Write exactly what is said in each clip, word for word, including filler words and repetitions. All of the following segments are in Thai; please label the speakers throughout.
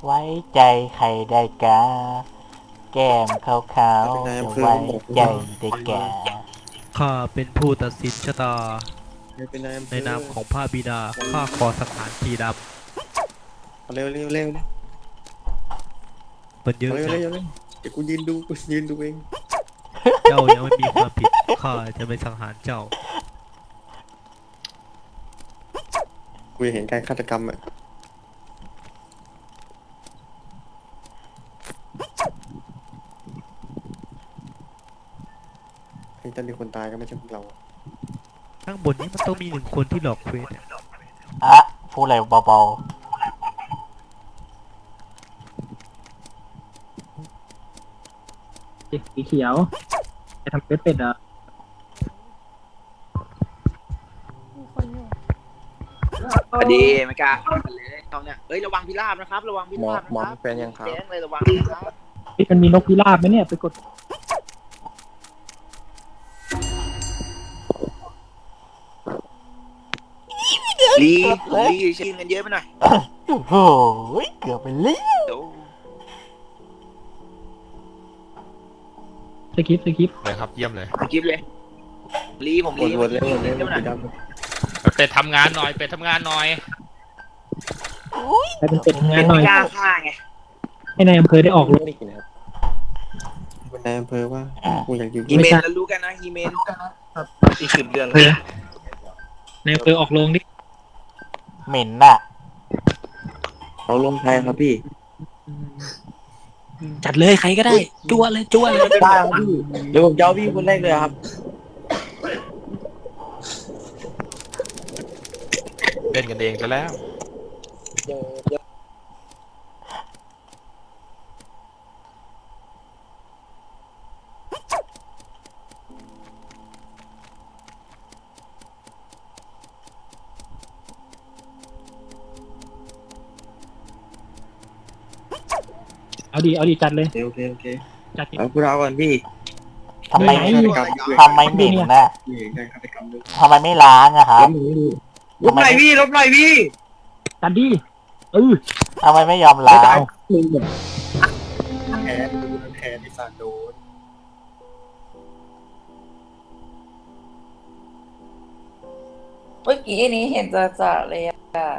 Speaker 1: ไว้ใจใครได้กาแก้มขาวๆจะไว้ใจได้แก่
Speaker 2: ข้าเป็นผู้ตัดสินชะตา
Speaker 3: ไม่เป็นนายอำเภ
Speaker 2: ใน
Speaker 3: อน
Speaker 2: ามของพระบิดาข้าขอสังหารทีด
Speaker 3: เร็วเร็วเร็ว
Speaker 2: ำมันเยอะ
Speaker 3: เร็ว
Speaker 2: จั
Speaker 3: เร็
Speaker 2: ง
Speaker 3: วเร็วเดี๋ยวกูยืนดูกูยืนดูเอง
Speaker 2: เจ้ายังไม่มีความผิดข้าจะไม่สังหารเจ้า
Speaker 3: กูเห็นการฆาตกรรมอ่ะให้ตอนนี้คนตายก็ไม่ใช่พวกเรา
Speaker 2: ข้างบนนี้มันต้องมีหนึ่งคนที่หลอกเควส
Speaker 1: อะพูดอะไรเบา
Speaker 4: สีเขียวจะทำเป็ดเป็ดเหรอ
Speaker 5: มีคนอยู่
Speaker 6: พอดีไม่กล้าเข้ากันเลยตอนเนี้ยเอ้ยระวังพิราบนะครับ ระวังพิราบนะครับแจ้งเลยระวังนะครับ
Speaker 4: ที่มันมีนกพิราบไหมเนี่ยไปกด
Speaker 6: ลีลีชิงกันเยอะไปหน่อย
Speaker 1: ๆโอ้โหเกือบไปเลย
Speaker 6: เดี๋ยว
Speaker 4: สกิปสกิป
Speaker 7: เลยครับเยี่ยมเลย
Speaker 6: กิฟเลยลีผม
Speaker 3: ว
Speaker 6: ลี
Speaker 3: นวนเร็วเร็ว
Speaker 6: เดี๋ยวหน่อย
Speaker 3: สีดำ
Speaker 7: เป็ดทำงานหน่อยเป็ดทำงานหน่อย
Speaker 4: ใครเป็นเป็ดทำงา
Speaker 6: เป็น น
Speaker 4: หน่
Speaker 6: ไม่
Speaker 4: อย
Speaker 6: กล้าฆ่าไง
Speaker 4: ให้นายอำเภอได้ออกรถ
Speaker 3: นี่นะครับเป็นนายอำเภอว่ากูอยากอยู่
Speaker 6: ฮีเมนแล้วรู้กันนะฮีเมนอีกสิบเดือน
Speaker 4: อำเภอ นายอำเภอออกโรงดิ
Speaker 1: เหม็นน่ะ
Speaker 8: เขาลงไทยครับพี่
Speaker 4: จัดเลยใครก็ได้จั่วเลยจั่วเลย
Speaker 8: ได้ครับพี่เดี๋ยวผมจะเอาพี่คนแรกเลยครับ
Speaker 7: เล่นกันเองซะแล้ว
Speaker 4: เอาดีเอาดีจัดเลย
Speaker 3: โอเคโอเค
Speaker 4: จัดดิ
Speaker 8: เอาพวกเราก่อนพี่
Speaker 1: ทำไม
Speaker 3: ฆาตกรรมด้วย
Speaker 1: ทำไมเหม็นน่ะ
Speaker 3: นี่เห็นการฆาตกรรมด้วย
Speaker 1: ทำไมไม่ล้างอะครับ
Speaker 8: ลบหน่อยพี่ลบหน่อยพี่
Speaker 4: จัดดิเออ
Speaker 1: ทำไมไม่ยอมล้าง
Speaker 3: แพ้แพ้ที่สาโดน
Speaker 9: เมื่อกี้นี้เห็นจ่าๆเลยอะ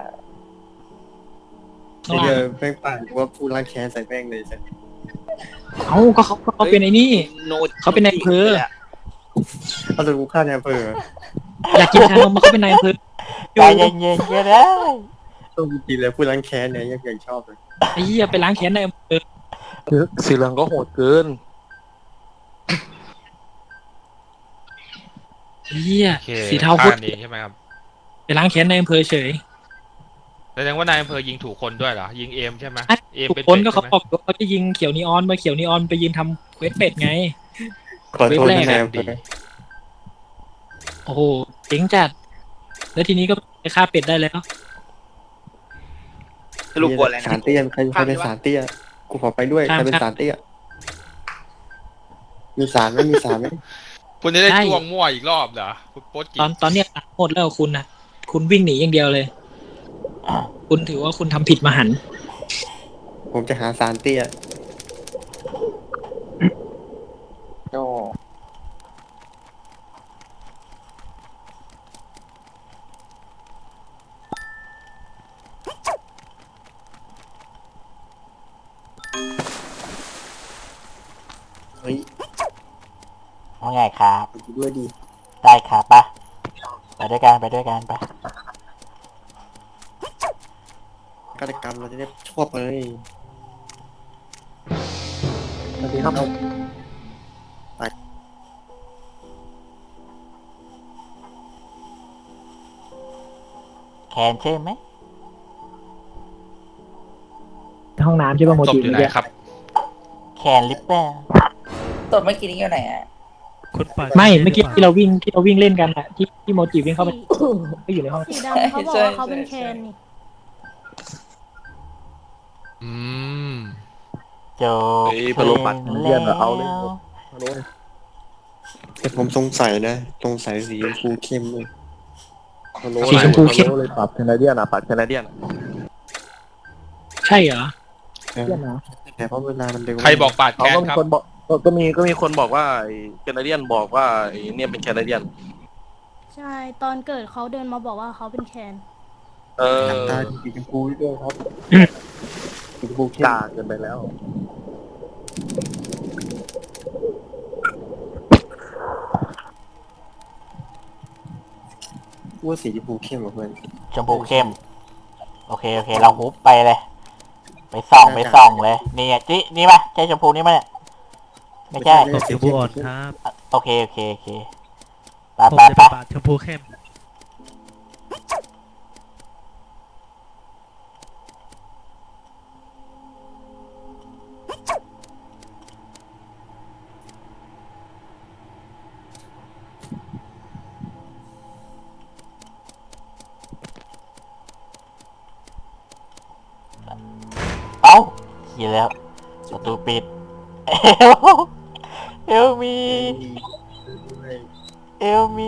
Speaker 3: ไอ้เดียวแป้งป่านว่าผู้ล้างแค้นใส่แป้งเลยใช่
Speaker 4: เอาก็เขาเขาเป็นไอ้นี่
Speaker 6: โน
Speaker 4: เขาเป็นนายอำเภอ
Speaker 3: เอาแต่กูฆ่านายอำเภอ
Speaker 4: อยากกินชานมมาเขาเป็นนายอำเภอ
Speaker 1: ใจเย็นๆก็ได้
Speaker 3: ต้องกินเลยผู้ล้างแค้นเนี่ยยังยังชอบเลย
Speaker 4: ไอ้เหี้ยไปล้างแค้นนายอำเภอ
Speaker 8: สีเหลืองก็โหดเกิน
Speaker 4: ไอ้เหี้ย
Speaker 7: โอเค
Speaker 4: สีเทา
Speaker 7: ฆ่า
Speaker 4: พุด
Speaker 7: กันเองใช่ไหมครับ
Speaker 4: ไปล้างแค้นนายอำเภอเฉย
Speaker 7: แสดงว่านายอำเภอยิงถูกคนด้วยเหรอยิงเอมใช่ไหมเอม
Speaker 4: ทุก
Speaker 7: เป็น
Speaker 4: คน
Speaker 7: เป็ด
Speaker 4: ก็เขา
Speaker 7: ใช่ไหม
Speaker 4: บอกว่าเขาจะยิงเขียวนีออนมาเขียวนีออนไปยืนทำเควสเป็ดไง
Speaker 3: ขอโทษ
Speaker 4: เว็บแรก
Speaker 3: นายอำเภ
Speaker 7: ดี
Speaker 3: อ
Speaker 4: โอ้โหเจ๋งจัด แล้วทีนี้ก็ไปฆ่าเป็ดได้แล้ว
Speaker 6: สรุปบทอะไร
Speaker 3: สาร
Speaker 6: นะ
Speaker 3: เตี้ยใครใครเป็นสารเตี้ยกูขอไปด้วยใครเป็นสารเตี้ยมีสารไหมมีสารไหม
Speaker 7: คุณจะได้
Speaker 4: ใช่
Speaker 7: จ้วงมั่วอีกรอบเหรอคุณโป๊ดกิ
Speaker 4: ตอนตอนเนี้ยหมดแล้วคุณนะคุณวิ่งหนีอย่างเดียวเลย คุณถือว่าคุณทำผิดมหันต์
Speaker 3: ผมจะหาสารเตี้ย
Speaker 8: ก็
Speaker 3: เฮ้ย
Speaker 1: ว่าไงครับ
Speaker 3: ไปด้วยดี
Speaker 1: ได้ครับปะไปด้วยกันไปด้วยกันไป
Speaker 3: ฆาตกรรมเราจะได้ชอบเลย
Speaker 8: สวัสดีครับ
Speaker 1: แคนใช่ไหม
Speaker 4: ห้องน้ำใช่ป่ะโม
Speaker 7: ศพ
Speaker 4: จิ
Speaker 7: อยู่ไหน
Speaker 4: เมื่อกี้
Speaker 7: ครับ
Speaker 1: แคนลิปเปอร์
Speaker 9: ตัวเมื่อกี้นี้อยู่ไหนอะ
Speaker 2: คนป่า
Speaker 4: ไม่เมื่อกี้ที่เราวิ่งที่เราวิ่งเล่นกันอะที่ที่โมจิวิ่งเข้าไปก็อยู่ในห้อง
Speaker 5: สีดำเขาบอกว่าเขาเป็นแคนนี่
Speaker 7: อืม
Speaker 1: โจ
Speaker 8: เฮ้ยพะโล้ปัดเลี่ยนอะเอาเลย
Speaker 1: แล้ว
Speaker 8: ฮัลโหล
Speaker 3: แต่ผมสงสัยนะสงสัยสีชมพูเข้มเลย
Speaker 8: ฮัลโหล
Speaker 4: สีชมพูเข้ม
Speaker 8: เลยปรับแคนาเดียนอ่ะปรับแคนาเดียน
Speaker 4: ใช่เหรอ
Speaker 3: เออแต่เพราะเวลามันเร็ว
Speaker 7: ใครบอกปาด
Speaker 8: เขา
Speaker 7: แค้น
Speaker 8: ก็มี
Speaker 7: ครับ
Speaker 8: คนบอกก็มีก็มีคนบอกว่าไอ้แคนาเดียนบอกว่าไอ้เนี่ยเป็นแคนาเดียน
Speaker 5: ใช่ ตอนเกิดเขาเดินมาบอกว่าเขาเป็นแคน
Speaker 8: เออ
Speaker 3: ตาสีชมพูด้วยครับสีชมพูเข้ม
Speaker 8: กล้าเกินไปแล้ว
Speaker 3: ว่าสีชมพูเข้มกว่าเพื่อน
Speaker 1: ชมพูเข้ม โอเคโอเค เราฮุบไปเลย ไปส่องไปส่องเลยนี่อ่ะจินี่ปะใช่ชมพูนี่ปะเนี่ยไม่ใช่
Speaker 2: ตกชมพูอ่อนครับ
Speaker 1: โอเคโอเคโอเคไป
Speaker 2: ผม
Speaker 1: ไป
Speaker 2: จะ
Speaker 1: ไป
Speaker 2: ไปปาดชมพูเข้ม
Speaker 1: เอ้าเขียนแล้วประตูปิดเอลเอลมีเอลมี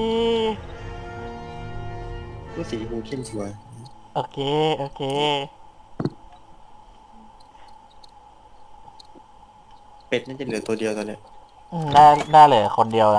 Speaker 3: ว่าสีชมพูเข้มสวย
Speaker 1: โอเคโอเค
Speaker 3: เป็ดน่าจะเหลือตัวเดียวตอนเนี้ย
Speaker 1: อืมน่าน่าเหลือคนเดียวละ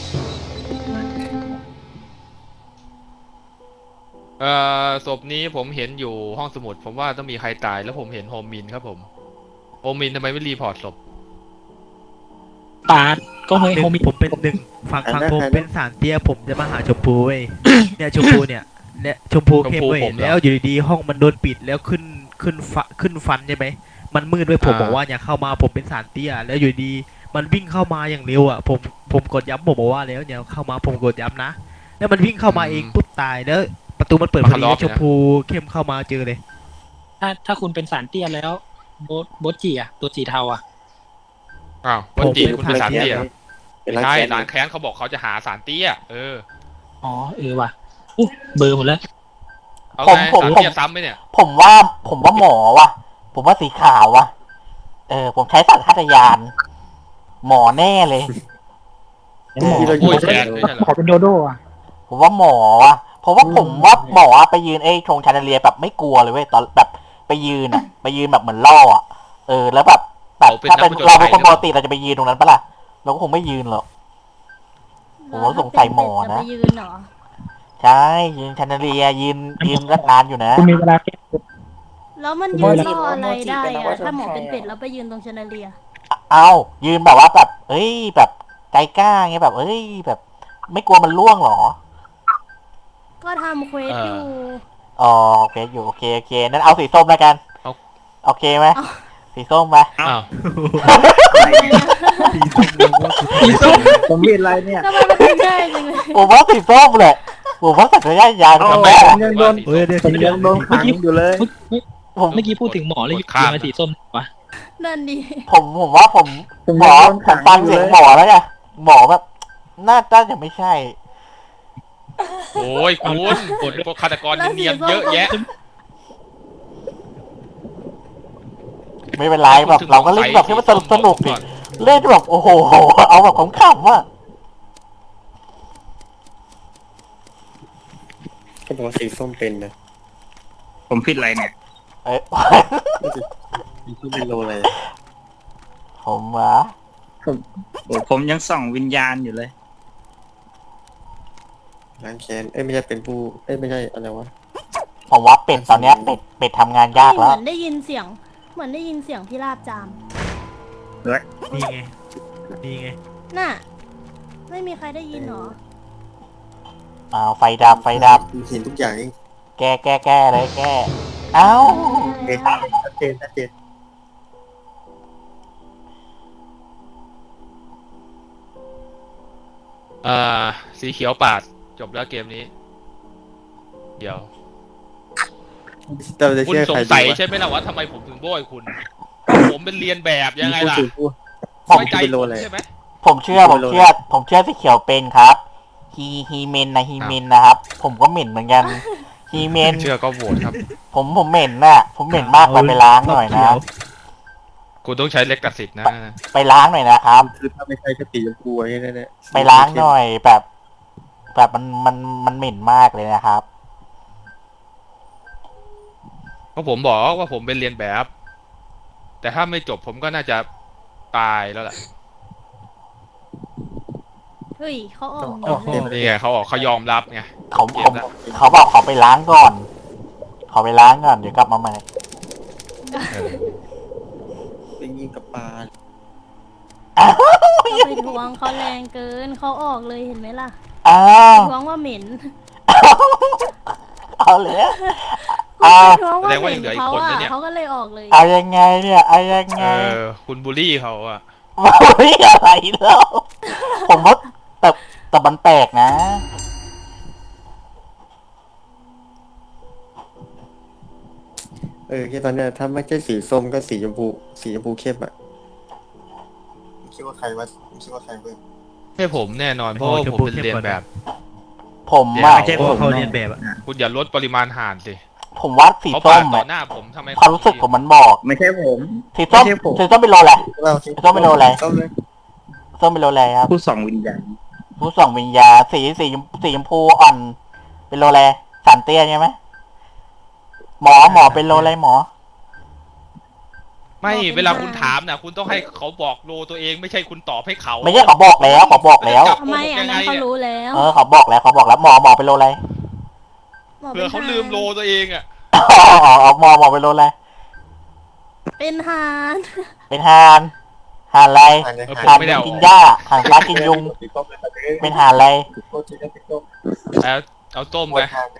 Speaker 7: เอ่อศพนี้ผมเห็นอยู่ห้องสมุด ผมว่าต้องมีใครตายแล้วผมเห็นโฮมมินครับผมโฮมมินทำไมไม่รีพอร์ตศพ
Speaker 4: ปาดก็เฮ้ย
Speaker 2: หนึ่
Speaker 4: โฮ
Speaker 2: ง
Speaker 4: มิ
Speaker 2: ผมเป็นหนึ่งฝั่งฝั่งผมเป็นสารเตี้ยผมจะมาหาชมพูเว้ย เนี่ยชมพูเนี่ยเนี่ยชมพูเข้มเว้ยแล้วอยู่ดีๆห้องมันโดนปิดแล้วขึ้นขึ้นฟะขึ้นฟันใช่ไหมมันมืดด้วยผมบอกว่าอย่าเข้ามาผมเป็นสารเตี้ยแล้วอยู่ดีมันวิ่งเข้ามาอย่างเร็วอ่ะผมผมกดย้ำผมบอกว่าแล้วอย่าเข้ามาผมกดย้ำนะแล้วมันวิ่งเข้ามาเองปุ๊บตายแล้วประตูมันเปิดพอดีแล้วชมพูเข้มเข้ามาเจอเลย
Speaker 4: ถ้าถ้าคุณเป็นสารเตี้ยแล้วโบทโบทจีอะตัวจีเทาอะ
Speaker 7: อ้าววันจีคุณเป็นสารเตี้ย
Speaker 3: เป็น
Speaker 7: ไม่
Speaker 3: ร้าน
Speaker 7: ใช่
Speaker 3: แกน
Speaker 7: ร้านแค้นเขาบอกเขาจะหาสารเตี้ยเออ
Speaker 4: อ๋อเออว่ะอู้เบอร์หมดแล้ว
Speaker 7: เอา
Speaker 1: ผม
Speaker 7: ไง
Speaker 1: ผม
Speaker 7: สาร
Speaker 1: ผม
Speaker 7: เตี้ยซ้ำไหมเนี่ย
Speaker 1: ผมว่าผมว่าหมอว่ะ ผมว่าสีขาวว่ะ เออ ผมใช้สัญชาตญาณหมอแน่เลย
Speaker 3: ที่เราอ
Speaker 7: โอ้
Speaker 3: ยู่
Speaker 7: ยแคนไม่ใช่เหรอ
Speaker 4: ขอเป็นโดโดอะ
Speaker 1: ผมว่าหมอว่ะเพราะว่าผมว่าหมอไปยืนไอ้ชงชาเดเลียแบบไม่กลัวเลยเว้ยตอนแบบไปยืนอ่ะ ไปยืนแบบเหมือนล่ออ่ะเออแล้วแบบแบบถ้าเป็นเราเป็นคนปกติเราจะไปยืนตรงนั้นปะล่ะเราก็คงไม่ยืนหรอก ผมว่าสงสัยหมอนะ
Speaker 5: จไปยืนเหรอ
Speaker 1: ใช่ยืนชาเดเลียยืนยืนรัดนานอยู่นะ
Speaker 4: คุณมีเวลาแค่
Speaker 5: แล้วมันยืนรออะไรได้อะถ้าหมอเป็นเป็ดแล้วไปยืนตรงชนเลีย
Speaker 1: เอายืนแบบว่าแบบเอ้ยแบบใจกล้าไงแบบเอ้ยแบบ ไม่กลัวมันล่วงหรอ
Speaker 5: ก็ทำเควสอยู่
Speaker 1: อ๋อโอเคอยู่โอเคโอเคนั้นเอาสีส้มแล้วกัน
Speaker 7: เอา
Speaker 1: โอเคไหม
Speaker 5: เอา
Speaker 1: สีส้มไป
Speaker 7: อ้าว
Speaker 2: สีส้ม
Speaker 8: ผมมีอะไรเนี่ย
Speaker 5: ทำไมมันเป็นได้จังเลย
Speaker 1: ผมว่าสีส้มเลยผมว่าสัญชาตญาณ
Speaker 8: เอา
Speaker 1: ทำ
Speaker 8: ไป
Speaker 1: ได้
Speaker 8: ผมยังโดน
Speaker 2: เฮ้ยเดี๋ยว
Speaker 8: ผมยังโดนขังอยู่เลย
Speaker 4: เมื่อกี้
Speaker 1: ผม
Speaker 4: เมื่อกี้พูดถึงหมอเลยอยู่มาสีส้มวะ
Speaker 5: นั่นดิ
Speaker 1: ผมผมว่าผม
Speaker 8: ผม
Speaker 1: หม
Speaker 8: ยัง
Speaker 1: อ
Speaker 8: โดน
Speaker 1: ผ
Speaker 8: ขั
Speaker 1: ม
Speaker 8: ง
Speaker 1: ฟัง
Speaker 8: อยู่
Speaker 1: เสียง
Speaker 8: เลย
Speaker 1: หมอแล้วไงหมอแบบน่าน่าจะไม่ใช่
Speaker 7: โอ้ยคุณพวกฆาตกรเนียนๆเยอะแยะ
Speaker 1: ไม่เป็นไรแบบเราก็เล่นแบบที่มันสนุกสนุกดิเล่นแบบโอ้โหเอาแบบขำๆอ่ะ
Speaker 3: ก็บอกว่าสีส้มเป็นนะ
Speaker 10: ผมผิดอะไรเนี่ย
Speaker 1: เอ้ย
Speaker 3: สีส้มเป็นโลอะไร
Speaker 1: ผมอ่ะ
Speaker 10: โอ้ผมยังส่องวิญญาณอยู่เลย
Speaker 3: ร้านแคนเอ้ยไม่ใช่เป็นผู้เอ้ยไม่ใช่อะไรวะ
Speaker 1: ผมว่าเป็ดตอนเนี้ยเป็ดเป็ดทำงานยาก
Speaker 5: เห
Speaker 1: แล้
Speaker 5: มื
Speaker 1: ว
Speaker 5: อนได้ยินเสียง เหมือนได้ยินเสียงพี่ลาบจาม
Speaker 2: นี่ไงนี่ไง
Speaker 5: น่ะ ไม่มีใครได้ยินเหรอ
Speaker 1: อ้าวไฟดับไฟดับ
Speaker 3: เห็นทุกอย่างเอง
Speaker 1: แก้แก้แก้เลยแก้เอ้า
Speaker 3: เห็นชัดเจนชัดเจน
Speaker 7: อ่าสีเขียวปาดจบแล้วเกมนี้ เดี๋ยว
Speaker 3: เราจะ
Speaker 7: คุณ
Speaker 3: เชื่อ
Speaker 7: ส
Speaker 3: ใค
Speaker 7: ง
Speaker 3: ร
Speaker 7: สัย
Speaker 3: ดีวะ
Speaker 7: ใช่ไหมล่ะว่าทำไมผมถึงโบยคุณ ผมเป็นเรียนแบบยังไงล่ะ
Speaker 3: ผู้ผู้
Speaker 1: ผม
Speaker 7: ไว้ใจ
Speaker 3: เป็นโล
Speaker 7: ผม
Speaker 3: อะไร
Speaker 7: ใช่ไหม
Speaker 1: ผมเชื่อผมเชื่อ ผมเชื่อสีเขียวเป็นครับฮีฮีเมนนะฮีเมนนะครับ ผมก็เหม็นเหมือนกันฮีเมน
Speaker 7: เชื่อก็โหวตครับ
Speaker 1: ผมผมเหม็นน่ะ ผมเหม็นมากไปไปล้างหน่อยนะ
Speaker 7: คุณต้องใช้เล็กตัดสิทธิ์นะ
Speaker 1: ไปล้างหน่อยนะครับ
Speaker 3: คือถ้าไม่ใช่ก็สีชมพูไอ้นั่นแหละ
Speaker 1: ไปล้างหน่อยแบบ แบบมันมันมันเหม็นมากเลยนะครับ
Speaker 7: เพราะผมบอกว่าผมเป็นเรียนแบบแต่ถ้าไม่จบผมก็น่าจะตายแล้วล่ะ
Speaker 5: เฮ้ยเขาออก
Speaker 2: โอ้โห
Speaker 7: นี่ไงเขาบอกเขายอมรับไง
Speaker 1: เขา
Speaker 7: เก
Speaker 1: ผม
Speaker 7: มละ
Speaker 1: เขาบอกเขาไปล้างก่อน เขาไปล้างก่อนเดี๋ยวกลับมาใหม่
Speaker 7: เออ
Speaker 3: ไปยิงกับปลา
Speaker 5: ไปทวงเขาแรงเกินเขาออกเลยเห็นไหมล่ะ
Speaker 1: อ้า
Speaker 5: ไป
Speaker 1: ว
Speaker 5: ทวงว่าเหม็น
Speaker 1: เอาเลย
Speaker 5: คุณ
Speaker 1: เอา
Speaker 5: ไปทวงว่าเหม็นเขาอ่ะเขาก็เลยออกเลย
Speaker 1: เอายังไงเนี่ยเอายัง
Speaker 7: เอ
Speaker 1: ไง
Speaker 7: อคุณบูลลี่เขาอะ
Speaker 1: เฮ้ยอะไรแล้วผมว่าแต่แต่มันแปลกนะ
Speaker 3: เออแค่ตอนเนี้ยถ้าไม่ใช่สีส้มก็สีชมพูสีชมพูเข้มอ่ะคิดว่าใครวะคิดว่าใครเว้ย
Speaker 7: ให้ผมแน่นอนเพราะว่าผมเป็นเรียนแบบ
Speaker 1: ผม
Speaker 7: เดี๋ยว
Speaker 1: ว่า
Speaker 2: ไม่ใช่เพราะเขาเรียนแบบอะ
Speaker 7: คุณอย่าลดปริมาณห่านสิ
Speaker 1: ผมว่าสี
Speaker 7: เขา
Speaker 1: ส้
Speaker 7: ปาม ดต่อ
Speaker 1: อะ
Speaker 7: หน้าผมทำไม
Speaker 1: ความรู้สึกผมมันบอก
Speaker 10: ไม่ใช่ผม
Speaker 1: สีส้ม
Speaker 10: ไม่ใช่ผม
Speaker 1: สีส้มเป็นโลอะไร
Speaker 3: เรา
Speaker 1: ส้มเป็นโลอะไร
Speaker 3: ส้มเลย
Speaker 1: ส้มเป็นโลอะไรครับ
Speaker 10: ผู้ส่องวิญญาณ
Speaker 1: ผู้ส่องวิญญาณสีสีชมสีชมพูอ่อน เป็นโลอะไรสารเตี้ยใช่ไหมหมอหมอเป็นโลอะไรหมอ
Speaker 7: ไม่เวลาคุณถามนะคุณต้องให้เขาบอกโลตัวเองไม่ใช่คุณตอบให้เขา
Speaker 1: ไม่ใช่เขาบอกแล้วเขาบอกแล้ว
Speaker 5: ทำไมอันนั้นเขารู้แล้ว
Speaker 1: เออเขาบอกแล้วเขาบอกแล้วหมอหมอเป็นโลอะไร
Speaker 5: หมอ
Speaker 7: เผื่อเขาลืมโลตัวเองอะ
Speaker 1: อ๋ออ๋อหมอหมอเป็นโลอะไร
Speaker 5: เป็นฮาน
Speaker 1: เป็นฮานฮานอะไร
Speaker 3: อ่านเลย
Speaker 7: เออ
Speaker 3: อ่าน
Speaker 7: ผมไม่ได้เอา
Speaker 1: กินหญ้าหานฟ้ากินยุง เป็นหานอะไร
Speaker 7: แล้วเอาต้มไป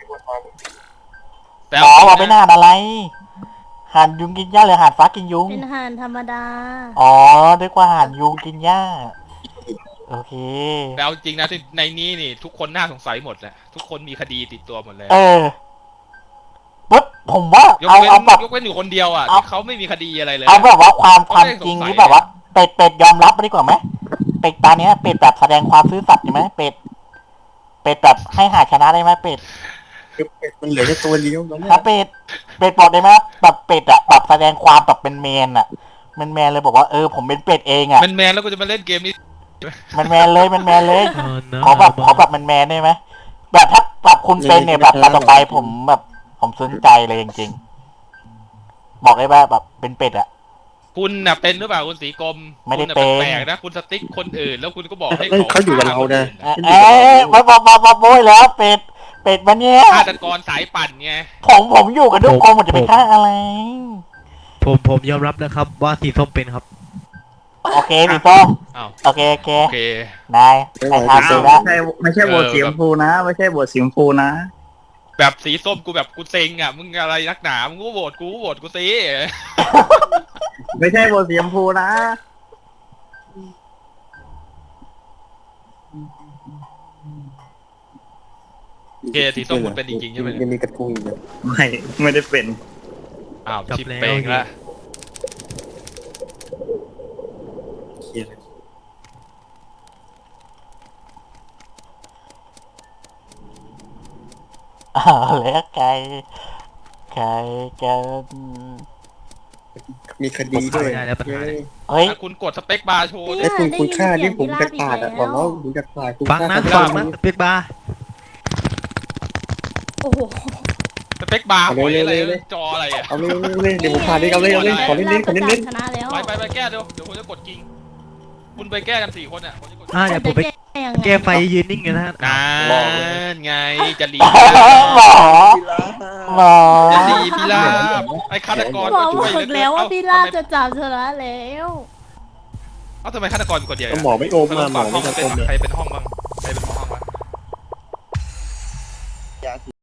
Speaker 7: แต่
Speaker 1: หมอ
Speaker 7: เอา
Speaker 1: บอก
Speaker 7: จ
Speaker 1: เป็
Speaker 7: ริ
Speaker 1: น
Speaker 7: งนะ
Speaker 1: หานอะไรหานยุงกินหญ้าหรือหานฟ้ากินยุง
Speaker 5: เป็นฮานธรรมดา
Speaker 1: อ๋อด้วยกว่าหานยุงกินหญ้า โอเค
Speaker 7: แต่เอาจริงนะที่ในนี้นี่ ทุกคนน่าสงสัยหมดแหละทุกคนมีคดีติดตัวหมดเลย
Speaker 1: เออปุ๊บผมว่าย
Speaker 7: ก
Speaker 1: เอา
Speaker 7: เว้น
Speaker 1: เอาแบบ
Speaker 7: ยกเว้นอยู่คนเดียวอ่ะ
Speaker 1: เอา
Speaker 7: ที่เขาไม่มีคดีอะไรเลย
Speaker 1: เอาแบบว่าความความ
Speaker 7: เขาไม่ได้
Speaker 1: จริง
Speaker 7: สงสัย
Speaker 1: ที่แบบว่า เป็ดเป็ดยอมรับดีกว่าไหมเป็ดตาเนี้ยเป็ดแบบแสดงความซื่อสัตย์ใช่ไหมเป็ดเป็ดแบบให้หาชนะได้ไหมเป็ด
Speaker 3: คือเป็ดมันเหลือแค่ตัวเดียวแล้วเนี่ย
Speaker 1: ถ้าเป็ดเป็ดบอกได้ไหมแบบเป็ดอะแบบแสดงความแบบเป็นแมนอะแมนแมนเลยบอกว่าเออผมเป็นเป็ดเองอะ
Speaker 7: แมนแมนๆแล้วกูจะมาเล่นเกมนี้
Speaker 1: แมนแมนเลยแมนแมนเลย
Speaker 2: เออนะ
Speaker 1: ขอแบบขอแบบแมนแมนได้ไหมแบบถ้าแบบคุณเป็นเนี่ยแบบต่อไปผมแบบผมสนใจเลยจริงๆบอกได้ว่าแบบเป็นเป็ดอะ
Speaker 7: คุณน่ะเป็นหรือเปล่าคุณสีกรม
Speaker 1: ไม่ได้
Speaker 7: คุณะ
Speaker 1: เป็น
Speaker 7: แปลกๆนะคุณสติ๊กคนอื่น แล้วคุณก็บอกให้
Speaker 3: เอ้ยเขาอยู่กับเรานะ
Speaker 1: เอ้ยเอ้ยมาบอกมาบอกโบยแล้วเป็ดเป็ดมันเนี่ย
Speaker 7: ฆาตกรสายปั่นไง
Speaker 1: ผมผมอยู่กับทุกคนผมจะไปฆ่าอะไร
Speaker 2: ผมผมยอมรับนะครับ ว่าสีส้มเป็นครับ
Speaker 1: โอเคสีส้ม
Speaker 7: อ้าว
Speaker 1: โอเคโอเค
Speaker 7: โอเค
Speaker 1: นายนาย
Speaker 10: อ้า
Speaker 1: ทำเสร็
Speaker 10: ว
Speaker 1: จแล้ว
Speaker 10: ไม่ใช่ไม่ใช่โหวตสีชมพูนะ ไม่ใช่โหวตสีชมพูนะ
Speaker 7: แบบสีส้มกูแบบกูเซ็งอ่ะมึงอะไรนักหนามึงก็โหวตกูก็โหวตกูสิ
Speaker 10: ไม่ใช่โหวตสีชมพูนะ
Speaker 7: โอเคสีส้มคุณเป็นจริงๆใช่ไหม
Speaker 3: ยังมีกระทุ้งอยู่เลย
Speaker 10: ไม่ไม่ได้เป็น
Speaker 7: อ้าว
Speaker 2: จบ
Speaker 7: ชิป
Speaker 2: แล้ว
Speaker 7: เปงละ
Speaker 3: เครียดเลย
Speaker 1: อ้าวแล้วใครใครจะ
Speaker 3: มีคดีด้วย
Speaker 2: ได้แล้วปัญหาเนี่ย
Speaker 1: เฮ้ย
Speaker 7: ถ้าคุณกดสเปคบาร์โชว์
Speaker 5: เนี่
Speaker 3: ไอ้
Speaker 5: ย
Speaker 3: คุณคุณค่า
Speaker 5: ได้ยิ
Speaker 3: ที่
Speaker 5: น
Speaker 3: ผม
Speaker 5: เสี
Speaker 3: จะ
Speaker 5: ยง
Speaker 3: ขาดอ่ะ
Speaker 5: พิ
Speaker 3: บ
Speaker 5: รา
Speaker 3: อก
Speaker 5: บอีกแล้ว
Speaker 3: ว่าผมจะขาดคุณ
Speaker 2: ฟัง
Speaker 3: ค่า
Speaker 2: นะ
Speaker 3: เขา
Speaker 2: ฟัง
Speaker 3: ไม่
Speaker 2: นะ
Speaker 3: รู้
Speaker 2: เป็ดบาร์
Speaker 5: โอ้โห
Speaker 7: สเปคบาร์
Speaker 3: เอา
Speaker 7: หอย
Speaker 3: เร็ว
Speaker 7: อะไร
Speaker 3: เร็วเร็ว
Speaker 7: จออะไรอ่ะ
Speaker 3: เอาเลยเอาเลยเดี๋ยวผมขาดดิเอาเลยเอาเลยขอเน้นๆขอเน้น
Speaker 5: ชนะแล้ว
Speaker 7: ไปไปไปแก้เดี๋ยวเดี๋ยวผมจะกดกิ่งคุณไปแก้กันสี่คนอ่ะผมจะกด
Speaker 2: อ่าเดี๋ยวผมไป
Speaker 5: จะยังไง
Speaker 2: แก้ไฟยืนนิ่งกันนะฮะ
Speaker 7: นานไงจะรี
Speaker 1: หมอหมอ
Speaker 7: จะรีพี่ลาบไอ้ฆาตกร
Speaker 5: บอก
Speaker 7: ช่วย
Speaker 5: บอกแล้วว่าพี่ลาบจะจับชนะแล้ว
Speaker 7: เอ้าทำไมฆาตกรเป็นคนเดียว
Speaker 3: ๆก็หมอไม่โอมมาหมอไม่
Speaker 7: ห้อง
Speaker 3: จะ
Speaker 7: เป็
Speaker 3: โอน มเลย
Speaker 7: ใครเป็นห้องบ้างใครเป็นหมอ